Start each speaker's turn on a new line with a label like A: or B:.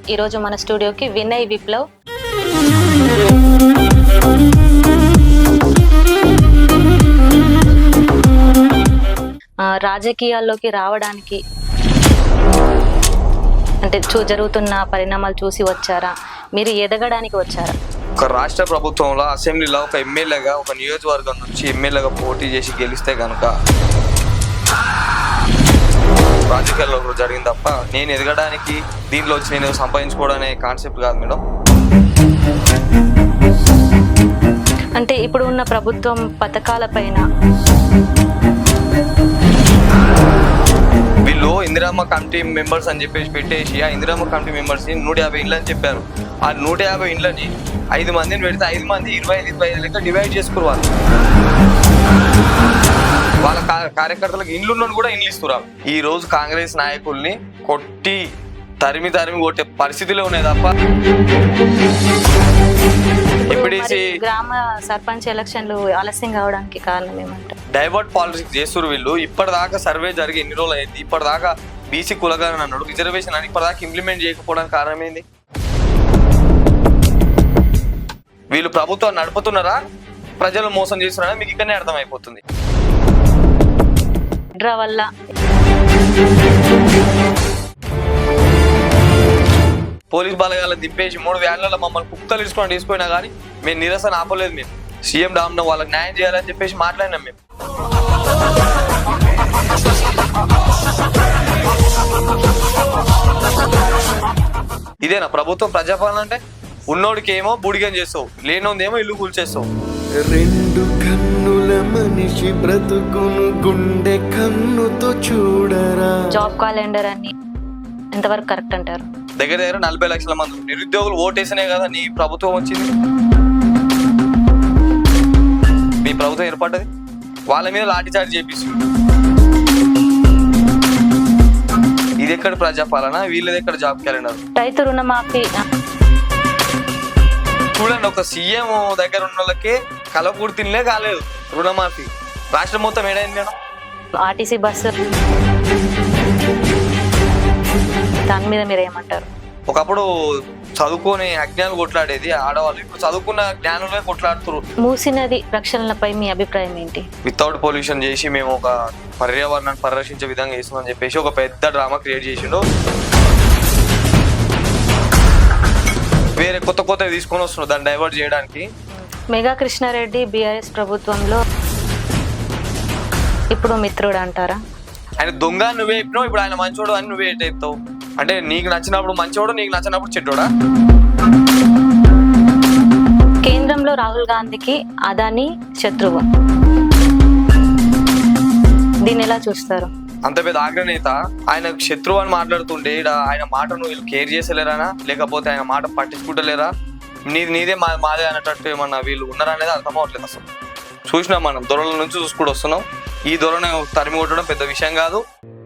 A: ఈరోజు మన స్టూడియోకి వినయ్ విప్లవ్. రాజకీయాల్లోకి రావడానికి అంటే జరుగుతున్న పరిణామాలు చూసి వచ్చారా, మీరు ఎదగడానికి వచ్చారా?
B: ఒక రాష్ట్ర ప్రభుత్వంలో అసెంబ్లీలో ఒక ఎమ్మెల్యేగా ఒక నియోజకవర్గం నుంచి ఎమ్మెల్యేగా పోటీ చేసి గెలిస్తే కనుక రాజకీయాల్లో జరిగింది తప్ప నేను ఎదగడానికి దీంట్లో వచ్చి నేను సంపాదించుకోవడనే కాన్సెప్ట్ కాదు మేడం.
A: అంటే ఇప్పుడు ఉన్న ప్రభుత్వం పథకాల పైన
B: వీళ్ళు ఇందిరమ్మ కమిటీ మెంబర్స్ అని చెప్పేసి పెట్టేసి ఆ ఇందిరమ్మ కమిటీ మెంబర్స్ని 150 ఇండ్లు అని చెప్పారు. ఆ 150 ఇండ్లని 5 మందిని పెడితే 5 మంది 25 లెక్క డివైడ్ చేసుకోవాలి. వాళ్ళ కార్యకర్తలకు ఇండ్లు కూడా ఇండ్లు ఇస్తున్నారు. ఈ రోజు కాంగ్రెస్ నాయకుల్ని కొట్టి తరిమి కొట్టే పరిస్థితిలో ఉన్నాయి తప్ప
A: గ్రామ సర్పంచ్ ఎలక్షన్లు ఆలస్యం కావడానికి కారణం ఏమంటారు?
B: డైవర్ట్ పాలిటిక్స్ చేస్తున్నారు వీళ్ళు. ఇప్పటిదాకా సర్వే జరిగి ఎన్ని రోజులు అయింది, ఇప్పటిదాకా బీసీ కులగారని అన్నాడు, రిజర్వేషన్ అని ఇప్పటిదాకా ఇంప్లిమెంట్ చేయకపోవడానికి కారణం ఏంది? వీళ్ళు ప్రభుత్వం నడుపుతున్నారా, ప్రజలు మోసం చేస్తున్నారా మీకు ఇక్కడనే అర్థమైపోతుంది.
A: వల్ల
B: పోలీస్ బలగాలను దింపేసి 3 వ్యాన్లలో మమ్మల్ని కుక్కలు ఇసుకొని తీసుకుపోయినా కానీ మేము నిరసన ఆపలేదు. మేము సీఎం డామ్న వాళ్ళకి న్యాయం చేయాలని చెప్పేసి మాట్లాడినాం. మేము ఇదేనా ప్రభుత్వం? ప్రజాపాలన అంటే ఉన్నోడికి ఏమో బుడిగం చేస్తావు, లేనోందేమో ఇల్లు కూల్చేస్తావు.
C: 2 కన్నుల మనిషి బ్రతుకును గుండె కన్నుతో చూడరా.
A: జాబ్ క్యాలెండర్ అని ఎంతవరకు కరెక్ట్ అంటారు?
B: దగ్గర 40 లక్షల మంది నిరుద్యోగులు ఓటేసినే కదా నీ ప్రభుత్వం వచ్చింది, మీ ప్రభుత్వం ఏర్పడ్డది. వాళ్ళ మీద లాఠీచార్జ్ చేపిస్తుంది. ఇది ఎక్కడ ప్రజాపాలన, వీళ్ళది ఎక్కడ జాబ్ క్యాలెండర్?
A: రైతు రుణమాఫీ
B: చూడండి, ఒక సీఎం దగ్గర ఉన్న వాళ్ళకే కలపూర్తిలే కాలేదు రుణమాఫీ. రాష్ట్రం మొత్తం ఏడైంది మేడం.
A: ఆర్టీసీ బస్సు దాని మీద మీరు ఏమంటారు?
B: ఒకప్పుడు చదువుకొని అజ్ఞానులు కొట్లాడేది ఆడవాళ్ళు, ఇప్పుడు చదువుకున్న జ్ఞానులే కొట్లాడుతున్నారు.
A: మూసినది రక్షణలపై మీ అభిప్రాయం ఏంటి?
B: వితౌట్ పొల్యూషన్ చేసి మేము ఒక పర్యావరణాన్ని పరిరక్షించే విధంగా చేస్తున్నామని చెప్పేసి ఒక పెద్ద డ్రామా క్రియేట్ చేసిండు. వేరే కొత్త తీసుకొని వస్తున్నారు దాన్ని డైవర్ట్ చేయడానికి.
A: మెగా కృష్ణారెడ్డి బీఆర్ఎస్ ప్రభుత్వంలో ఇప్పుడు మిత్రుడు అంటారా?
B: ఆయన దొంగ నువ్వే చెప్పినావు, ఇప్పుడు ఆయన మంచోడు అని నువ్వే చెప్తావు. అంటే నీకు నచ్చినప్పుడు మంచోడు, నీకు నచ్చినప్పుడు చెడ్డోడా?
A: కేంద్రంలో రాహుల్ గాంధీకి అదాని శత్రువు, దీన్ని ఎలా చూస్తారు?
B: అంత పెద్ద అగ్రనేత ఆయన శత్రువు అని మాట్లాడుతుంటే ఆయన మాటను వీళ్ళు కేర్ చేసేలేరా, లేకపోతే ఆయన మాట పట్టించుకుంటలేరా? నీదే మాదే అనేటట్టు ఏమన్నా వీళ్ళు ఉన్నారా అనేది అర్థం అవ్వట్లేదు. అసలు చూసినాం మనం దొరల నుంచి చూసుకుంటూ వస్తున్నాం. ఈ దొరను తరిమి కొట్టడం పెద్ద విషయం కాదు.